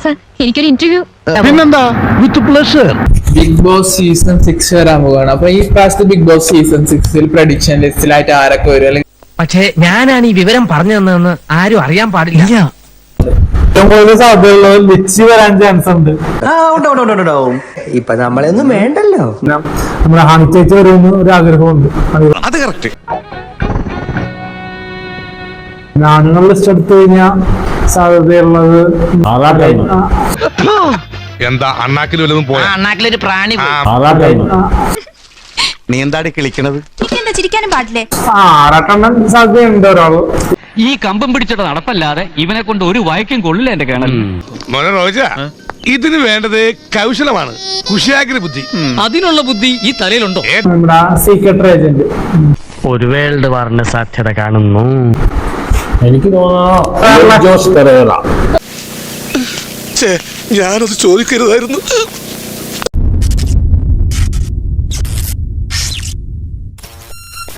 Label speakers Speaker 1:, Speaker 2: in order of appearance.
Speaker 1: Sir എനിക്കൊരു interview.
Speaker 2: പിന്നെന്താ, with pleasure.
Speaker 3: Bigg Boss season 6 വരാൻ പോവാണ്. അപ്പൊ ഈ പ്രാവശ്യത്തെ ബിഗ് ബോസ് സീസൺ 6 പ്രഡിക്ഷൻ ലിസ്റ്റിലായിട്ട് ആരൊക്കെ വരും? അല്ലെങ്കിൽ
Speaker 4: പക്ഷേ ഞാനാണ് ഈ വിവരം പറഞ്ഞു തന്നതെന്ന് ആരും അറിയാൻ പാടില്ല.
Speaker 3: ഏറ്റവും കൂടുതൽ സാധ്യതയുള്ളത് ലിച്ചി വരാൻ ചാൻസ് ഉണ്ട്.
Speaker 5: ഇപ്പൊ നമ്മളൊന്നും വേണ്ടല്ലോ.
Speaker 3: നമ്മുടെ ഹണി ചേച്ചി വരുമെന്ന് ഒരു ആഗ്രഹമുണ്ട്.
Speaker 2: അത് കറക്റ്റ്.
Speaker 3: ആണുങ്ങൾ ലിസ്റ്റ് എടുത്തു കഴിഞ്ഞാൽ സാധ്യതയുള്ളത്
Speaker 2: എന്താ അണ്ണാക്കിൽ വല്ലതും പോയാ?
Speaker 4: അണ്ണാക്കിലൊരു പ്രാണി
Speaker 2: നീ എന്താടി കിളിക്കണത്?
Speaker 1: എന്താ ചിരിക്കാനും പാടില്ലേ?
Speaker 3: ആറാട്ടെണ്ണം സാധ്യതയുണ്ട് ഒരാള്.
Speaker 6: ഈ കമ്പം പിടിച്ചിട്ട് നടപ്പല്ലാതെ ഇവനെ കൊണ്ട് ഒരു വായിക്കും കൊള്ളില്ല എന്റെ കേണൽ.
Speaker 2: മോനെ റോജ, ഇതിന് വേണ്ടത് കൗശലമാണ്, കുശാഗ്ര ബുദ്ധി.
Speaker 6: അതിനുള്ള ബുദ്ധി ഈ തലയിലുണ്ടോ?
Speaker 3: നമ്മുടെ സീക്രട്ട് ഏജന്റ്.
Speaker 4: ഒരു വേൾഡ് വാറിന് സാധ്യത കാണുന്നു.
Speaker 3: എനിക്ക് തോന്നുന്നു ജോസ് പെരേറ.
Speaker 2: ഞാനത് ചോദിക്കരുതായിരുന്നു.